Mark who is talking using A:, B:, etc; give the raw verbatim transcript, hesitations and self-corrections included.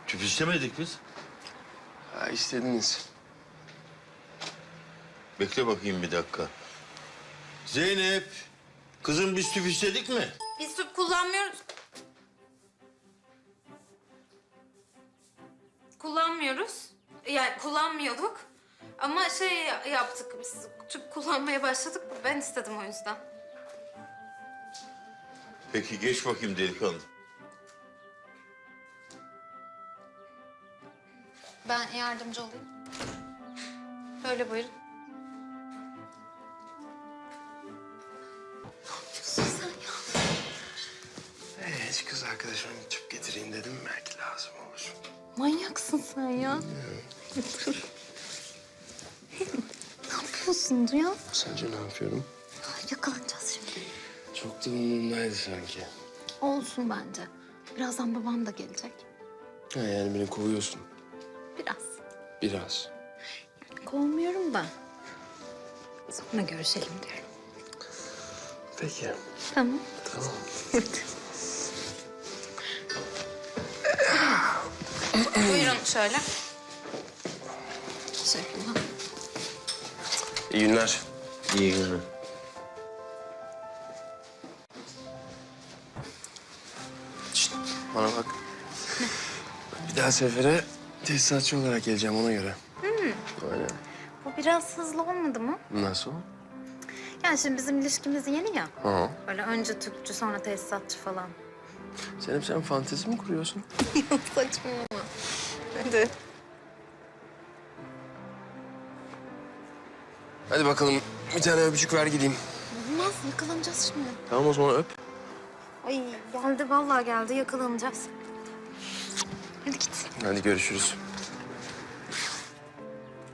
A: Tüp istemedik biz.
B: Ha, istediniz.
A: Bekle bakayım bir dakika. Zeynep, kızım biz tüp istedik mi?
C: Biz tüp kullanmıyoruz. Kullanmıyoruz. Yani kullanmıyorduk. Ama şey yaptık biz, tüp kullanmaya başladık. Ben istedim o yüzden.
A: Peki geç bakayım delikanlı.
C: Ben yardımcı olayım. Böyle buyurun. Ne yapıyorsun sen ya?
B: Ee, hiç kız arkadaşıma tüp getireyim dedim. Belki lazım olur.
C: Manyaksın sen ya. Ne yapıyorsun Duyan?
B: Sence ne yapıyorum?
C: Yakalanacağız şimdi.
B: Çok da umurumdaydı sanki.
C: Olsun bence. Birazdan babam da gelecek.
B: Ha, yani beni kovuyorsun.
C: Biraz.
B: Biraz.
C: Kovmuyorum da. Sonra görüşelim diyorum.
B: Peki.
C: Tamam.
B: Tamam.
C: Buyurun şöyle. Teşekkürler.
B: İyi günler.
A: İyi günler.
B: Şişt, bana bak. Bir daha sefere tesisatçı olarak geleceğim ona göre. Hmm. Aynen.
C: Bu biraz hızlı olmadı mı?
B: Nasıl?
C: Yani şimdi bizim ilişkimiz yeni ya.
B: Ha.
C: Böyle önce tüpçü sonra tesisatçı falan.
B: Senin sen fantezi mi kuruyorsun?
C: Yok saçmalama. Hadi.
B: Hadi bakalım bir tane öpücük ver gideyim.
C: Olmaz yakalanacağız şimdi.
B: Tamam o zaman öp.
C: Ay geldi vallahi geldi yakalanacağız. Hadi git.
B: Hadi görüşürüz.